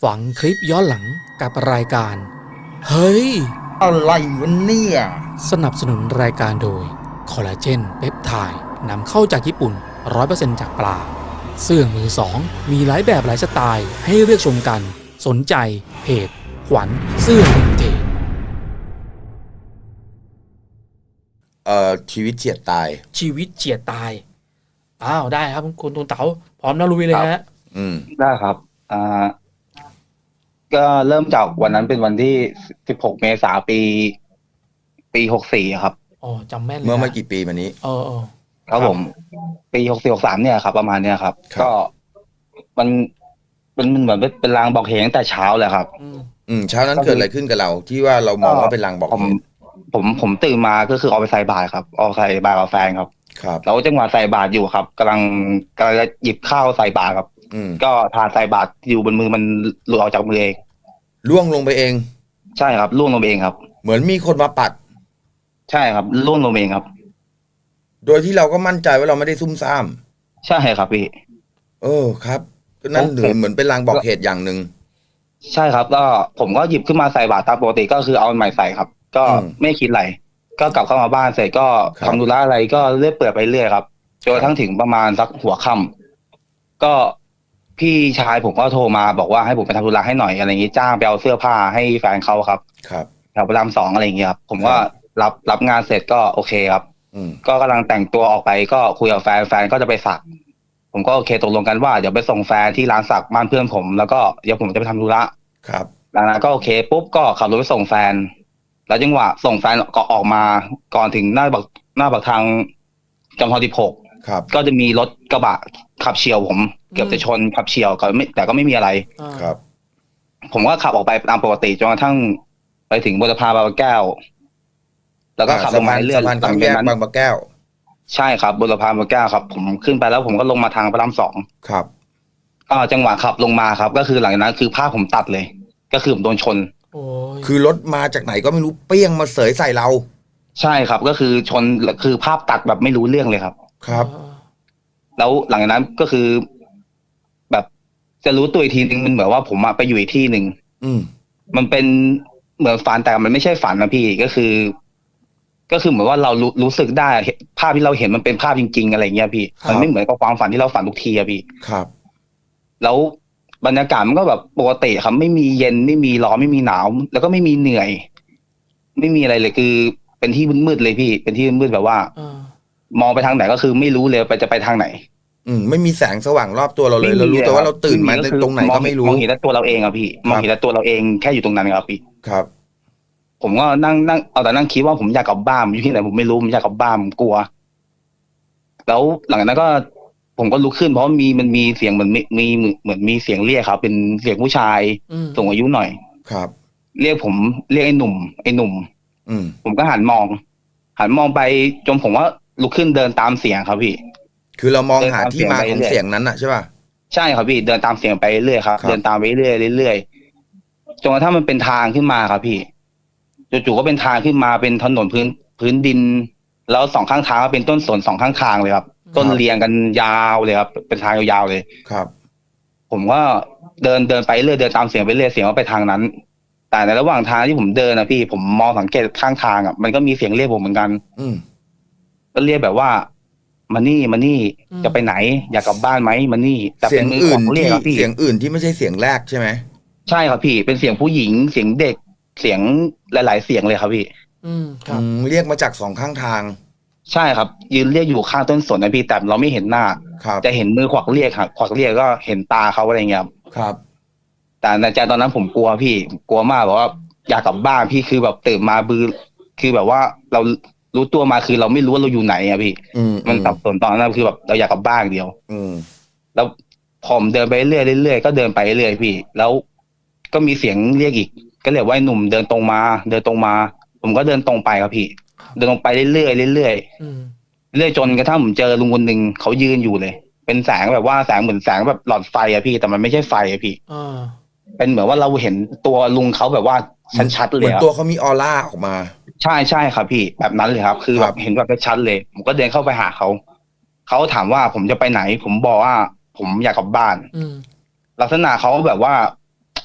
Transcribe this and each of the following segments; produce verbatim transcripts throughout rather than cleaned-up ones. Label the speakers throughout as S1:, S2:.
S1: ฝังคลิปย้อนหลังกับรายการ เฮ้ย
S2: อะไรวะเนี่ย
S1: สนับสนุนรายการโดย คอลลาเจนเปปไทด์นำเข้าจากญี่ปุ่น ร้อยเปอร์เซ็นต์ จากปลา เสื้อมือสอง มีหลายแบบหลายสไตล์ให้เลือกชมกัน สนใจเพจ ขวัญเสื้อวินเทจ
S2: เอ่อชีวิตเฉียดตาย
S1: ชีวิตเฉียดตาย อ้าว ได้ครับคุณตูนเต๋าพร้อมนะลุยเลยฮะ
S2: อืม
S3: ได้ครับ อ่า ก็เริ่มจากวันนั้นเป็นวันที่สิบหกเมษายนปี ปีหกสี่ครับ
S1: อ๋อจำแม่นเลย
S2: เมื่อไม่
S1: นะ
S2: กี่ปีมานี้
S1: เออเออ
S3: ครับผม ปีหกสี่หกสามเนี่ยครับ ประมาณเนี้ยครับ
S2: ครับ
S3: ก็มันเป็นมันเหมือนเป็นเป็นลางบอกเหตุตั้งแต่เช้าเลยครับ
S1: อืม
S2: อืมเช้านั้นเกิดอะไรขึ้นกับเรา ที่ว่าเรามองว่าเป็นลางบอก
S3: ผม
S2: เหตุ
S3: ผมผมตื่นมาก็คือออกไปใส่บาตรครับ ออกใส่บาตรกับแฟนครับ
S2: ครับ
S3: แล้วจังหวะใส่บาตรอยู่ครับกำลังกำลังจะหยิบข้าวใส่บาตรครับ
S2: อืม
S3: ก็ทานใส่บาตรอยู่บนมือมันหลุดออกจากมือเอง
S2: ล่วงลงไปเอง
S3: ใช่ครับล่วงลงไปเองครับ
S2: เหมือนมีคนมาปัด
S3: ใช่ครับล่วงลงไปเองครับ
S2: โดยที่เราก็มั่นใจว่าเราไม่ได้ซุ่มซ่าม
S3: ใช่ครับพี่
S2: เออครับก็นั่นเหมือนเหมือนเป็นลางบอกเหตุอย่างหนึ่ง
S3: ใช่ครับก็ผมก็หยิบขึ้นมาใส่บาตรตามปกติก็คือเอาอันใหม่ใส่ครับ ก็
S2: อืม
S3: ไม่คิดอะไรก็กลับเข้ามาบ้านเสร็จก็
S2: ครับ
S3: ทำธุระอะไรก็เรื่อยเปื่อยไปเรื่อยครับจนกระทั่งถึงประมาณสักหัวค่ำก็พี่ชายผมก็โทรมาบอกว่าให้ผมไปทำธุระให้หน่อยอะไรอย่างงี้จ้างไปเอาเสื้อผ้าให้แฟนเขาครับ
S2: ครับ
S3: แถวพระรามสองอะไรอย่างเงี้ยครับผมก็รับรับงานเสร็จก็โอเคครับ
S2: อืม
S3: ก็กำลังแต่งตัวออกไปก็คุยกับแฟนแฟนก็จะไปสัก ผมก็โอเคตกลงกันว่าเดี๋ยวไปส่งแฟนที่ร้านสักบ้านเพื่อนผม แล้วก็เดี๋ยวผมจะไปทำธุระ
S2: ครับ
S3: หลังนั้นก็โอเคปุ๊บก็ขับรถไปส่งแฟน แล้วจังหวะส่งแฟนก็ออกมาก่อนถึงหน้าบักหน้าบักทางจอมทองสิบหก
S2: ครับ
S3: ก็จะมีรถกระบะขับเฉียวผม เกือบจะชนขับเฉียวก็ไม่แต่ก็ไม่มีอะไร
S1: อ่า
S2: ครับ
S3: ผมก็ขับออกไปตามปกติจนกระทั่งไปถึงบุรพาบางแก้ว แล้วก็ขับล
S2: สะ
S3: ง
S2: พา
S3: มาเรื่อย
S2: สะพาน
S3: หลั
S2: ข้าม
S3: ง
S2: แย
S3: จาก
S2: ก
S3: นั้น
S2: บางปะแก้ว
S3: ใช่ครับบุรพาบางแก้วครับ ผมขึ้นไปแล้วผมก็ลงมาทางพระรามสอง
S2: ครับ
S3: ก็จังหวะขับลงมาครับ ก็คือหลังจากนั้นคือภาพผมตัดเลย ก็คือผมโดนชน
S1: โอ้ย
S2: คือรถมาจากไหนก็ไม่รู้เปี้ยงมาเสยใส่เรา
S3: ใช่ครับ ก็คือชนคือภาพตัดแบบไม่รู้เรื่องเลยครับ
S2: ครับ
S1: อ่า
S3: แล้วหลังจากนั้นก็คือ แบบจะรู้ตัวอีกทีนึงมันเหมือนว่าผมอะไปอยู่อีกที่หนึ่ง
S2: อืม
S3: มันเป็นเหมือนฝันแต่มันไม่ใช่ฝันนะพี่ก็คือ ก็คือเหมือนว่าเรารู้รู้สึกได้เห็นภาพที่เราเห็นมันเป็นภาพจริง ๆ อะไรเงี้ยพี่
S2: ครับ
S3: มันไม่เหมือนกับความฝันที่เราฝันทุกทีอะพี่
S2: ครับ
S3: แล้วบรรยากาศมันก็แบบปกติครับไม่มีเย็นไม่มีร้อนไม่มีหนาว แล้วก็ไม่มีเหนื่อย ไม่มีอะไรเลยคือ เป็นที่มืดๆเลยพี่ เป็นที่มืดๆแบบว่า
S1: อ่า
S3: มองไปทางไหนก็คือไม่รู้เลยไปจะไปทางไหน
S2: อืมไม่มีแสงสว่างรอบตัวเราเลยเรารู้แต่ว่าเราตื่นมา
S3: ไก็คือ
S2: ตรงไหนก็ไม่รู้
S3: มองเห็นแต่ตัวเราเองอะพี่มองเห็นแต่ตัวเราเองแค่อยู่ตรงนั้นครับพี่
S2: ครับ
S3: ผมก็นั่งนั่งเอาแต่นั่งคิดว่าผมอยากกลับบ้านอยู่ที่ไหนผมไม่รู้ผมอยากกลับบ้านผมกลัว แล้วหลังจากนั้นก็ ผมก็ลุกขึ้นเพราะมีมันมีเสียงเหมือนมีมีเหมือนมีเสียงเรียกครับ เป็นเสียงผู้ชาย
S1: อืม
S3: สูงอายุหน่อย
S2: ครับ
S3: เรียกผมเรียกไอ้หนุ่มไอ้หนุ่ม
S2: อืม
S3: ผมก็หันมอง หันมองไปจนผมว่าลุกขึ้นเดินตามเสียงครับพี่
S2: คือเรามองหาที่มา
S3: เดินตาม
S2: ของ
S3: เสียงไปเรื่อย
S2: เสียงนั้นอะใช่ป่ะ
S3: ใช่ครับพี่เดินตามเสียงไปเรื่อยครับ
S2: ครับ
S3: เดินตามไปเรื่อยเรื่อยจนกระทั่งมันเป็นทางขึ้นมาครับพี่จู่ๆก็เป็นทางขึ้นมาเป็นถนนพื้นพื้นดิน แล้วสองข้างทางก็เป็นต้นสนสองข้างทางเลยครับ ต้นเรียงกันยาวเลยครับ เป็นทางยาวๆเลย
S2: ครับ
S3: ผมก็เดินเดินไปเรื่อยเดินตามเสียงไปเรื่อยเสียงว่าไปทางนั้น แต่ในระหว่างทางที่ผมเดินนะพี่ผมมองสังเกตข้างทางอ่ะมันก็มีเสียงเรียกผมเหมือนกัน
S2: อืม
S3: ก็เรียกแบบว่ามานี่มานี่จะไปไหน อยากกลับบ้านไหมมานี่แต่
S2: เสี
S3: เป็
S2: ยง
S3: นมือ
S2: อื่
S3: ข
S2: น
S3: องเรีย
S2: ที่
S3: กครับพี่
S2: เสียงอื่นที่ไม่ใช่เสียงแรกใช่ไหม
S3: ใช่ครับพี่เป็นเสียงผู้หญิงเสียงเด็กเสียงหลาย ๆ เสียงเลยครับพี่
S1: อืมครับ
S2: อืมเรียกมาจากสองข้างทาง
S3: ใช่ครับ ยืนเรียกอยู่ข้างต้นสนนะพี่แต่เราไม่เห็นหน้า
S2: ครับ
S3: จะเห็นมือขวักเรียกครับขวักเรียกก็เห็นตาเขาอะไรเงี้ยครับ
S2: ครับ
S3: แต่ในใจตอนนั้นผมกลัวพี่กลัวมากแบบว่าอยากกลับบ้านพี่คือแบบตื่นมาบือคือแบบว่าเรารู้ตัวมาคือเราไม่รู้ว่าเราอยู่ไหนอะพี่
S2: อืม
S3: มันสับสนตอนนั้นคือแบบเราอยากกลับบ้านอย่างเดียว
S2: อืม
S3: แล้วผมเดินไปเรื่อยๆเรื่อยๆก็เดินไปเรื่อยๆพี่ แล้วก็มีเสียงเรียกอีก ก็เรียกว่าไอ้หนุ่มเดินตรงมา เดินตรงมา ผมก็เดินตรงไปครับพี่ เดินตรงไปเรื่อยๆเรื่อย
S1: อืม
S3: ๆเรื่อยจนกระทั่งผมเจอลุงคนหนึ่งเขายืนอยู่เลย เป็นแสงแบบว่าแสงเหมือนแสงแบบหลอดไฟอะพี่แต่มันไม่ใช่ไฟอะพี่
S1: อ่า
S3: เป็นเหมือนว่าเราเห็นตัวลุงเขาแบบว่าชัดๆ
S2: เห
S3: เล
S2: มือย น
S3: อะ
S2: ตัวเขามีออร่าออกมา
S3: ใช่ใช่ครับพี่แบบนั้นเลยครับ คือ
S2: ค
S3: แบ
S2: รับบ
S3: เห็นแบบชัดเลย ผมก็เดินเข้าไปหาเขาเขาถามว่าผมจะไปไหน ผมบอกว่า ผมอยากกลับบ้าน
S1: อืม
S3: ลักษณะเขาแบบว่า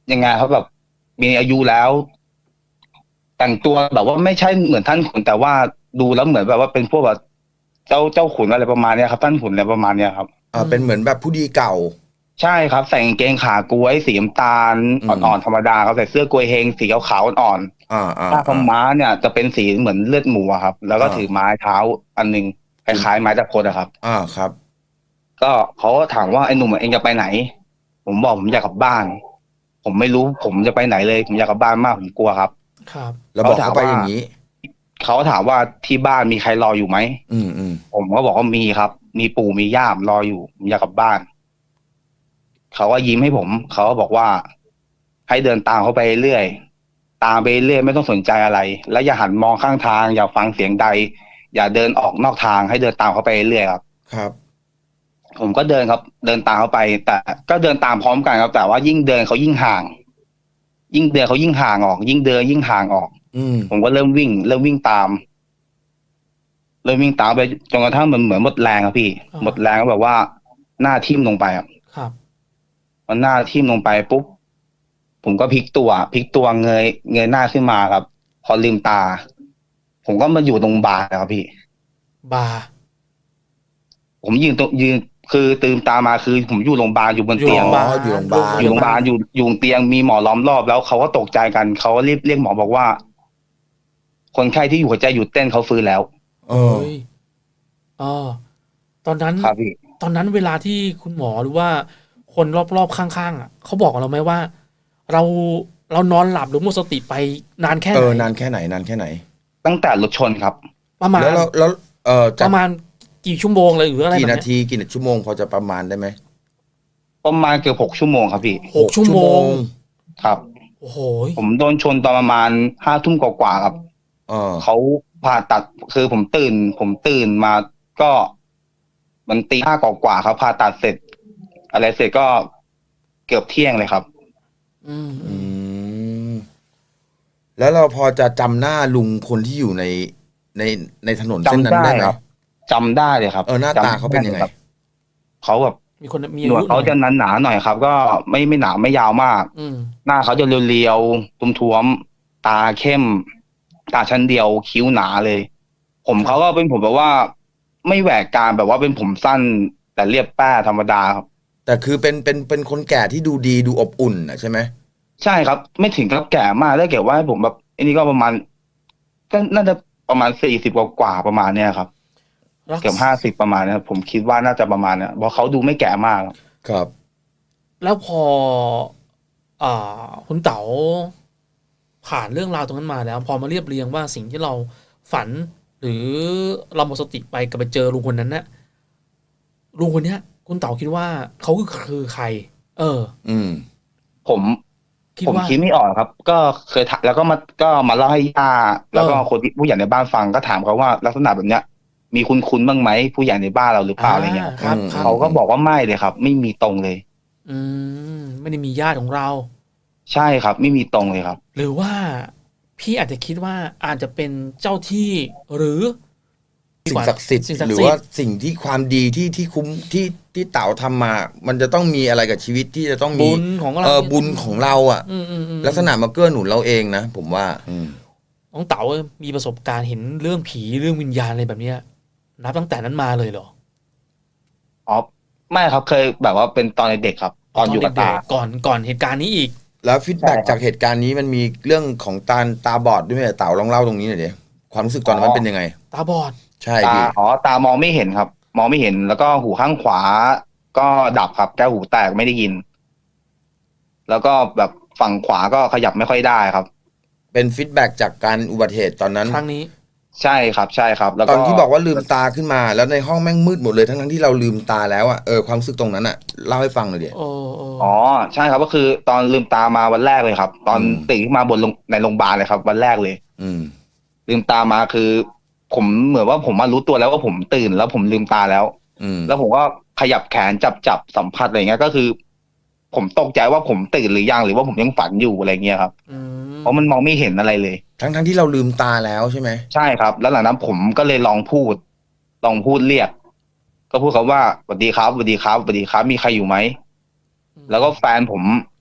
S3: ยังไงครับแบบมีอายุแล้ว แต่งตัวแบบว่าไม่ใช่เหมือนท่านขุนแต่ว่าดูแล้วเหมือนแบบว่าเป็นพวกแบบเจ้าเจ้าขุนอะไรประมาณเนี้ยครับท่านขุนอะไรประมาณเนี้ยครับ
S2: อ่าเป็นเหมือนแบบผู้ดีเก่า
S3: ใช่ครับใส่กางเกงขากล้วยสีน้ำตาล
S2: อืม
S3: อ่อนๆธรรมดาครับใส่เสื้อกล้วยเฮงสีขาวๆอ่อน
S2: อ่าอ่า
S3: ๆผ้าขาว
S2: อ่า
S3: ม้าเนี่ยจะเป็นสีเหมือนเลือดหมูอะครับ แล้วก็
S2: อ่า
S3: ถือไม้เท้าอันหนึงคล้ายๆไม้ตะพดอะครับ
S2: อ่าครับ
S3: ก็เขาก็ถามว่าไอ้หนุ่มเองจะไปไหน ผมบอกผมอยากกลับบ้าน ผมไม่รู้ผมจะไปไหนเลยผมอยากกลับบ้านมากผมกลัวครับ
S1: ครับ
S2: แล้วบอก
S3: เขาถาม
S2: เขาไป
S3: ว่า
S2: อย่างนี้
S3: เขาถามว่าที่บ้านมีใครรออยู่ไหม
S2: อืมอืม
S3: ผมก็บอกว่ามีครับ มีปู่มีย่ามรออยู่ผมอยากกลับบ้าน เขาก็ยิ้มให้ผม เขาก็บอกว่า ให้เดินตามเขาไปเรื่อย ตามไปเรื่อยไม่ต้องสนใจอะไร แล้วอย่าหันมองข้างทาง อย่าฟังเสียงใด อย่าเดินออกนอกทางให้เดินตามเขาไปเรื่อยครับ
S2: ครับ
S3: ผมก็เดินครับ เดินตามเขาไป แต่ก็เดินตามพร้อมกันครับ แต่ว่ายิ่งเดินเขายิ่งห่าง ยิ่งเดินเขายิ่งห่างออก ยิ่งเดินยิ่งห่างออก
S2: อืม
S3: ผมก็เริ่มวิ่ง เริ่มวิ่งตาม เริ่มวิ่งตามไปจนกระทั่งมันเหมือนหมดแรงครับพี่
S1: อ่า
S3: หมดแรงก็แบบว่าหน้าทิ่มลงไปครับ
S1: ครับ
S3: พอหน้าทิ่มลงไปปุ๊บผมก็พลิกตัวพลิกตัวเงยเงยหน้าขึ้นมาครับ พอลืมตา ผมก็มาอยู่ตรงบาร์ครับพี่
S1: บาร์
S3: ผมยืนตรงยืนคือตื่นตามาคือ ผมอยู่โรงพยาบาลอยู่บน
S1: อยู่
S3: เตียง
S1: โรงพยาบาล
S2: อยู่โรงพยาบาล
S3: อยู่โรงพยาบาลอยู่อยู่บนเตียงมีหมอล้อมรอบแล้วเขาก็ตกใจกันเขาก็รีบเรียกหมอบอกว่า คนไข้ที่อยู่หัวใจหยุดเต้นเขาฟื้นแล้ว
S2: เออ
S1: เฮ้ยอ๋อตอนนั้น
S3: ครับพี่
S1: ตอนนั้นเวลาที่คุณหมอหรือว่าคนรอบๆข้างๆอ่ะเขาบอกกับเราไหมว่า เราเรานอนหลับหรือหมดสติไปนานแค่ไห
S2: เอน อนานแค่ไหนนานแค่ไหน
S3: ตั้งแต่รถชนครับ
S1: ประมาณ
S2: แล้วเราแล้วเออ
S1: ป
S2: จาก
S1: ระมาณกี่ชั่วโมงเลยหรืออะไร
S2: กี่
S1: แบบ
S2: นา
S1: เนี้ย
S2: ทีกี่ชั่วโมงพอจะประมาณได้ไหม
S3: ประมาณเกือบหกชั่วโมงครับพี่
S1: หกชั่วโมง
S3: ครับ
S1: โอ้โห
S3: ผมโดนชนตอนประมาณห้าทุ่มกว่าๆครับ
S2: เออ
S3: เขาผ่าตัดคือผมตื่น ผมตื่นมาก็ มันตีห้ากว่าๆครับผ่าตัดเสร็จ อะไรเสร็จก็เกือบเที่ยงเลยครับ
S1: อืม
S2: อืมแล้วเราพอจะจำหน้าลุงคนที่อยู่ในในในถนนเส้นนั้น
S3: จำได้
S2: ได้ไหม
S3: ครับ จำได้เลยครับ
S2: เออหน้าตา
S3: จำ
S2: เขาเป็นยังไง
S3: ด้ลครับเขาแบบ
S1: มีคนมี
S3: ห
S1: อาน
S3: วด
S1: ยุห
S3: เขา
S1: น่อย
S3: จะหนาๆหน่อยครับ ก็ไม่ไม่หนาไม่ยาวมาก
S1: อืม
S3: หน้าเขาจะเรียวๆตุ้มๆตาเข้ม ตาชั้นเดียวคิ้วหนาเลย ผมเขาก็เป็นผมแบบว่า ไม่แหวกกรามแบบว่าเป็นผมสั้น แต่เรียบแป้ธรรมดาครับ
S2: แต่คือเป็นเป็นเป็นคนแก่ที่ดูดีดูอบอุ่นนะใช่ไหม
S3: ใช่ครับ ไม่ถึงกับแก่มากถ้าเกิดว่าให้ผมแบบอันนี้ก็ประมาณก็น่าจะประมาณสี่สิบกว่าๆประมาณเนี้ยครับ
S1: รัก
S3: เกือบห้าสิบประมาณเนี้ยผมคิดว่าน่าจะประมาณเนี้ยเพราะเขาดูไม่แก่มากครับ
S2: ครับ
S1: แล้วพอ อ่าคุณเต๋าผ่านเรื่องราวตรงนั้นมาแล้ว พอมาเรียบเรียงว่าสิ่งที่เราฝัน หรือเราหมดสติไปกับไปเจอลุงคนนั้นนะลุงคนเนี้ย คุณเต๋าคิดว่าเขาคือใคร เออ
S2: อืม
S3: ผม
S1: คิด
S3: ผม
S1: ว่า
S3: คิดไม่ออกครับ ก็เคยถามแล้วก็มาก็มาเล่าให้ย่าแล้วก็
S1: เออ
S3: คนที่ผู้ใหญ่ในบ้านฟังก็ถามเขาว่าลักษณะแบบเนี้ย มีคุณคุณบ้างไหมผู้ใหญ่ในบ้านเราหรือเปล่าอะไรเงี้ย
S1: ครับ
S2: อืม
S1: ครับ
S3: เขาก็บอกว่าไม่เลยครับ ไม่มีตรงเลย
S1: อืมไม่ได้มีญาติของเรา
S3: ใช่ครับ ไม่มีตรงเลยครับ
S1: หรือว่าพี่อาจจะคิดว่าอาจจะเป็นเจ้าที่หรือ
S2: สิ่งศักดิ์สิทธิ์
S1: สิ่งศัก
S2: ห
S1: ดิ์
S2: รือ
S1: สิท
S2: ว่า
S1: ธิ์
S2: สิ่งที่ความดีที่ที่คุ้มที่ที่เต่าทำมา มันจะต้องมีอะไรกับชีวิตที่จะต้องมี
S1: บุญของเรา
S2: เออบุญของเราอ่ะ
S1: อืมอืมอืม
S2: ลักษณะมาเกื้อหนุนเราเองนะผมว่า อืม
S1: น้องเต๋ามีประสบการณ์เห็นเรื่องผีเรื่องวิญญาณอะไรแบบเนี้ย นับตั้งแต่นั้นมาเลยเหรอ
S3: อ๋อไม่ครับเคยแบบว่าเป็นตอนเด็กๆครับ ตอนอยู่กับ
S1: เด็
S3: ตา
S1: กๆก่อนก่อนเหตุการณ์นี้อีก
S2: แล้วฟีดแบ็ก
S3: ใช่ครับ
S2: จากเหตุการณ์นี้มันมีเรื่องของตาตาบอดด้วยไหมเต่าลองเล่าตรงนี้หน่อยดิความรู้สึกตอนนั้นมันเป็นยังไง
S1: ตาบอด
S2: ใช่
S3: ตา
S2: พี่
S3: อ๋อตามองไม่เห็นครับ มองไม่เห็นแล้วก็หูข้างขวา ก็ดับครับแก้วหูแตกไม่ได้ยิน แล้วก็แบบฝั่งขวาก็ขยับไม่ค่อยได้ครับ
S2: เป็นฟีดแบ็กจากการอุบัติเหตุตอนนั้น
S1: ครั้งนี้
S3: ใช่ครับ ใช่ครับ แล้ว
S2: ต
S3: ก็
S2: อนที่บอกว่าลืมตาขึ้นมา แล้วในห้องแม่งมืดหมดเลยทั้งทั้งๆที่เราลืมตาแล้วอ่ะเออความรู้สึกตรงนั้นอ่ะเล่าให้ฟังหน่อยดิ
S1: โอ้โอ้
S3: อ๋อใช่ครับก็คือตอนลืมตามาวันแรกเลยครับ ตอน
S2: อืม
S3: ตื่นขึ้นมาบนโรงในโรงพยาบาลเลยครับ วันแรกเลย
S2: อืม
S3: ลืมตามาคือ ผมเหมือนว่าผมมารู้ตัวแล้วว่าผมตื่นแล้วผมลืมตาแล้ว
S2: อืม
S3: แล้วผมก็ขยับแขนจับจับสัมผัสอะไรเงี้ยก็คือ ผมตกใจว่าผมตื่นหรือยังหรือว่าผมยังฝันอยู่อะไรเงี้ยครับ
S1: อืม
S3: เพราะมันมองไม่เห็นอะไรเลย
S2: ทั้งทั้งๆที่เราลืมตาแล้วใช่ไหม
S3: ใช่ครับ แล้วหลังนั้นผมก็เลยลองพูด ลองพูดเรียก ก็พูดคำว่าสวัสดีครับสวัสดีครับสวัสดีครับ มีใครอยู่ไหม แล้วก็แฟนผม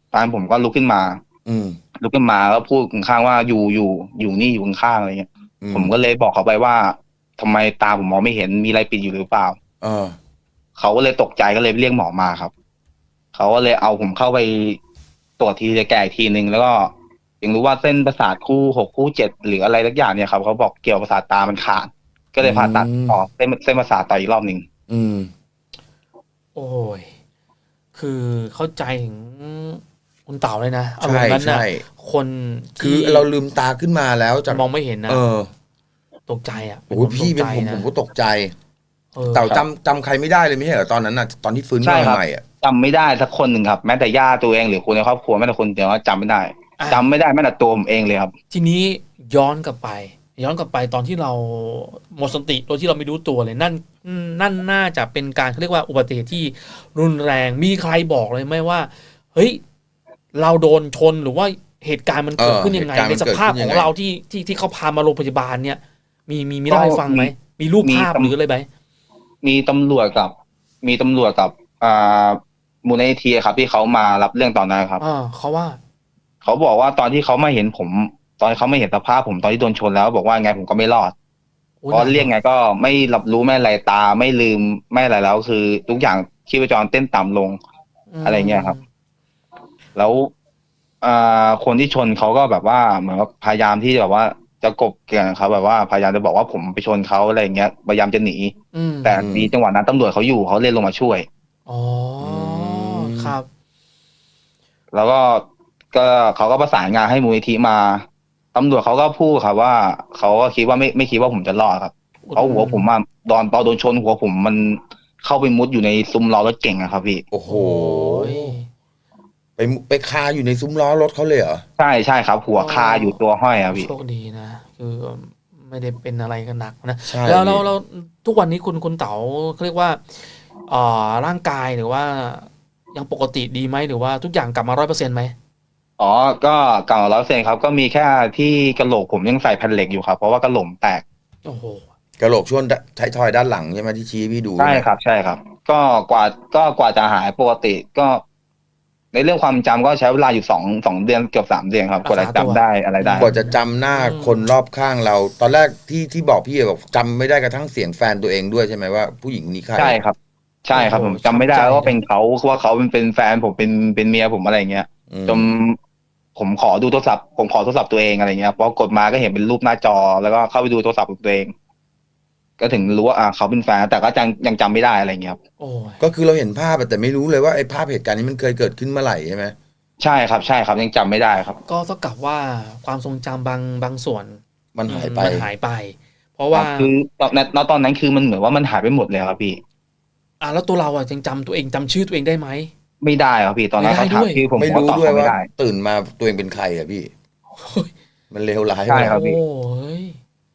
S3: แฟนผมก็ลุกขึ้นมา
S2: อืม
S3: ลุกขึ้นมาแล้วพูดข้างๆว่าอยู่อยู่อยู่นี่อยู่ข้างๆอะไรเงี้ย
S2: อื
S3: ผมก็เลยบอกเขาไปว่าทำไมตาผมมองไม่เห็นมีอะไรปิดอยู่หรือเปล่า
S2: เออ
S3: เขาก็เลยตกใจก็เลยเรียกหมอมาครับเขาก็เลยเอาผมเข้าไปตรวจทีจะแก่อีกทีนึงแล้วก็ยังรู้ว่าเส้นประสาทคู่หกคู่เจ็ดหรืออะไรสักอย่างเนี่ยครับเขาบอกเกี่ยวประสาทตามันขาดก็เลยผ่าตัด
S2: อืม
S3: ต่อเส้นเส้นประสาทต่ออีกรอบหนึ่ง
S2: อืม
S1: โอ้ยคือเข้าใจถึงคุณเต่าเลยนะอารม
S2: ใช่
S1: ณ์นั้นนะ
S2: ใช่
S1: คน
S2: คือ
S1: ที่
S2: เราลืมตาขึ้นมาแล้วจาก
S1: มองไม่เห็นนะ
S2: เออ
S1: ตกใจอ่ะ
S2: โอ้ยพี่เป็น
S1: ตกใจ
S2: ผม
S1: นะ
S2: ผมก็ตกใจ
S1: ออ
S2: เต่าจำจำใครไม่ได้เลยไม่ใช่เหรอตอนนั้นน่ะตอนที่ฟื้น
S3: ใช่
S2: ขึ้น
S3: ครั
S2: มา
S3: บ
S2: ใหม่อ่ะ
S3: จำไม่ได้สักคนหนึ่งครับแม้แต่ญาติตัวเองหรือคนในครอบครัวแม้แต่คนเดียวก็จำไม่ได้
S1: อ่ะ
S3: จำไม่ได้แม้แต่ตัวผมเองเลยครับ
S1: ทีนี้ย้อนกลับไป ย้อนกลับไปตอนที่เราหมดสติโดยที่เราไม่รู้ตัวเลย นั่นนั่นน่าจะเป็นการเขาเรียกว่าอุบัติเหตุที่รุนแรงมีใครบอกเลยไหมว่า เฮ้ย เราโดนชนหรือว่าเหตุการณ์มันเกิดขึ้นยังไง
S2: เออเห
S1: ใน
S2: ตุการณ์มัน
S1: สภาพ
S2: เกิดขึ้น
S1: ข
S2: ยั
S1: อง ง
S2: ไง
S1: เราที่ที่ที่เขาพามาโรงพยาบาลเนี่ย มีมีมีเล่าให้ฟังไหม
S3: มี
S1: มีรูป
S3: มี
S1: ภาพ
S3: ตำ
S1: หรืออะไรไหม
S3: มีตำรวจกับ มีตำรวจกับอ่ามูลนิธิครับที่เขามารับเรื่องตอนนั้นครับ
S1: อ่าเขาว่า
S3: เขาบอกว่าตอนที่เขามาเห็นผม ตอนเขาไม่เห็นสภาพผมตอนที่โดนชนแล้ว บอกว่าไงผมก็ไม่รอด
S1: โอ้
S3: เพราะเรียกไงก็ไม่รับรู้ไม่อะไรตาไม่ลืมไม่อะไรแล้ว คือทุกอย่างชีพจรเต้นต่ำลง อะไรเงี้ยครับ แล้วอ่าคนที่ชนเขาก็แบบว่าเหมือนว่าพยายามที่แบบว่าจะกบเกลื่อนเขาแบบว่าพยายามจะบอกว่าผมไปชนเขาอะไรอย่างเงี้ยพยายามจะหนี
S1: อืม
S3: แต่มีจังหวะนั้นตำรวจเขาอยู่เขาเลยลงมาช่วย
S1: อ๋อครับ
S3: แล้วก็ก็เขาก็ประสานงานให้มูลนิธิมาตำรวจเขาก็พูดครับว่าเขาก็คิดว่าไม่ไม่คิดว่าผมจะรอดครับเพราะหัวผมอะตอนตอนโดนชนหัวผมมันเข้าไปมุดอยู่ในซุ้มล้อรถเก่งอะครับพี่
S2: โอ้โห
S1: โอ้ย
S2: ไปไปคาอยู่ในซุ้มล้อรถเขาเลยเหรอ
S3: ใช่ใช่ครับ หัวคาอยู่ตัวห้อยอะพี่
S1: โชคดีนะคือไม่ได้เป็นอะไรกันหนักนะ
S2: ใช่
S1: แล้วเรา
S2: พี่
S1: เราทุกวันนี้คุณคุณเต๋าเขาเรียกว่าเอ่อร่างกายหรือว่ายังปกติดีไหมหรือว่าทุกอย่างกลับมาร้อยเปอร์เซ็นต์ไหม
S3: อ๋อก็เก่าร้อยเปอร์เซ็นต์ครับก็มีแค่ที่กระโหลกผมยังใส่แผ่นเหล็กอยู่ครับเพราะว่ากระโหลกแตก
S1: โอ้โห
S2: กระโหลกช่วงท้ายทอยด้านหลังใช่ไหมที่ชี้ให้พี่ดู
S3: ใช่ครับใช่ครับ ก็กว่าก็กว่าจะหายปกติก็ ในเรื่องความจำก็ใช้เวลาอยู่สองสองเดือนเกือบสามเดือนครับกว่าจะจำได้อะไรได้
S2: กว่าจะจำหน้าคนรอบข้างเรา ตอนแรกที่ที่บอกพี่บอกจำไม่ได้กระทั่งเสียงแฟนตัวเองด้วยใช่ไหมว่าผู้หญิงคนนี้ใคร
S3: ใช่ครับ ใช่ครับผมจำไม่ได้ว่าเป็นเขาว่าเขาเป็นเป็นแฟนผมเป็นเป็นเมียผมอะไรเงี้ย
S2: อืม
S3: จนผมขอดูโทรศัพท์ผมขอโทรศัพท์ตัวเองอะไรเงี้ยพอกดมาก็เห็นเป็นรูปหน้าจอ แล้วก็เข้าไปดูโทรศัพท์ของตัวเอง ก็ถึงรู้ว่าอ่าเขาเป็นแฟนแต่ก็ยังยังจำไม่ได้อะไรเงี้ยครับ
S1: โอ้ย
S2: ก็คือเราเห็นภาพอะแต่ไม่รู้เลยว่าไอ้ภาพเหตุการณ์นี้มันเคยเกิดขึ้นเมื่อไหร่ใช่ไหม
S3: ใช่ครับใช่ครับยังจำไม่ได้ครับ
S1: ก็เท่ากับว่าความทรงจำบางบางส่วน
S2: มันหายไป
S1: มันหายไป เพราะว่า
S3: คือตอนนั้นตอนนั้นคือมันเหมือนว่ามันหายไปหมดเลยครับพี่
S1: อ่ะแล้วตัวเราอ่ะยังจำตัวเองจำชื่อตัวเองได้ไหม
S3: ไม่ได้ครับพี่ตอนนั้น
S1: ไม่
S3: เขา
S1: ได้
S3: ถาม
S1: ด้วย
S3: ชื่อผม
S2: ไม่
S3: ผม
S2: รู้
S3: ก็ตอบ
S2: ด้วย
S3: เขาไม่
S2: ว่า
S3: ได้
S2: ตื่นมาตัวเองเป็นใครอะพี่ มันเลวร้าย
S3: ใช่
S2: มาก
S3: ครับพี่
S1: โอ้ย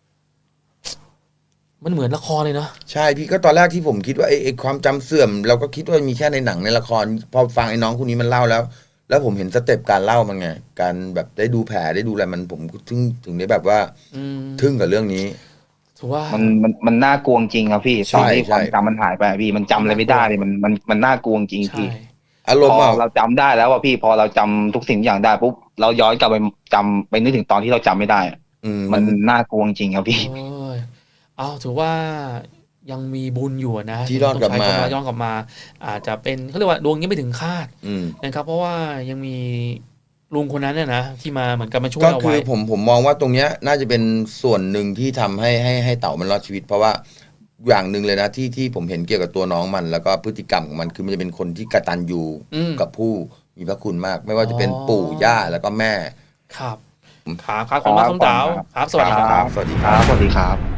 S1: มันเหมือนละครเลยเนาะ
S2: ใช่พี่ก็ตอนแรกที่ผมคิดว่าไอ้ไอ้ความจำเสื่อม เราก็คิดว่ามีแค่ในหนังในละคร พอฟังไอ้น้องคนนี้มันเล่าแล้ว แล้วผมเห็นสเต็ปการเล่ามันไง การแบบได้ดูแผลได้ดูอะไรมันผมถึงถึงได้แบบว่า
S1: อืม
S2: ทึ่งกับเรื่องนี้
S1: ถือว่า
S3: มันมันมันน่ากลัวจริงครับพี่
S2: ใช่
S3: ตอนที่
S2: ใช่
S3: ความจำมันหายไปพี่มันจำอะไรไม่ได้เลยมันมันมันน่ากลัวจริง
S1: ใช่
S3: พี่
S2: อาร
S3: พ
S2: มณ์
S3: อ
S2: อะ
S3: เราจำได้แล้วว่าพี่พอเราจำทุกสิ่งทุกอย่างได้ปุ๊บเราย้อนกลับไปจำไปนึกถึงตอนที่เราจำไม่ได้อะ
S2: อืม
S3: มันน่ากลัวจริงครับพี่
S1: โอ้ยเอาถือว่ายังมีบุญอยู่นะ
S2: ที่รอดกลับมา
S1: ต้องใช้คำว่ย้อนกลับมา อาจจะเป็นเขาเรียกว่าดวงยังไม่ถึงคาด
S2: อืม
S1: นะครับ เพราะว่ายังมีลุงคนนั้นเนี่ยนะที่มาเหมือนกับมาช่วย
S2: ก็
S1: เรา
S2: คื
S1: ไว้
S2: อผมผมมองว่าตรงเนี้ยน่าจะเป็นส่วนหนึ่งที่ทำให้ให้ให้เต่ามันรอดชีวิต เพราะว่าอย่างหนึ่งเลยนะที่ที่ผมเห็นเกี่ยวกับตัวน้องมัน แล้วก็พฤติกรรมของมันคือมันจะเป็นคนที่กตัญญู
S1: อืม
S2: กับผู้มีพระคุณมาก ไม่ว่าจะเป็น
S1: อ๋อ
S2: ปู่ย่าแล้วก็แม่
S1: ครับครับครับขอบคุณมากคุณเต๋าครับ สวัสดีครับ
S2: สวัสดี
S3: ค
S2: ครั
S3: รับ บสวัสดีครับ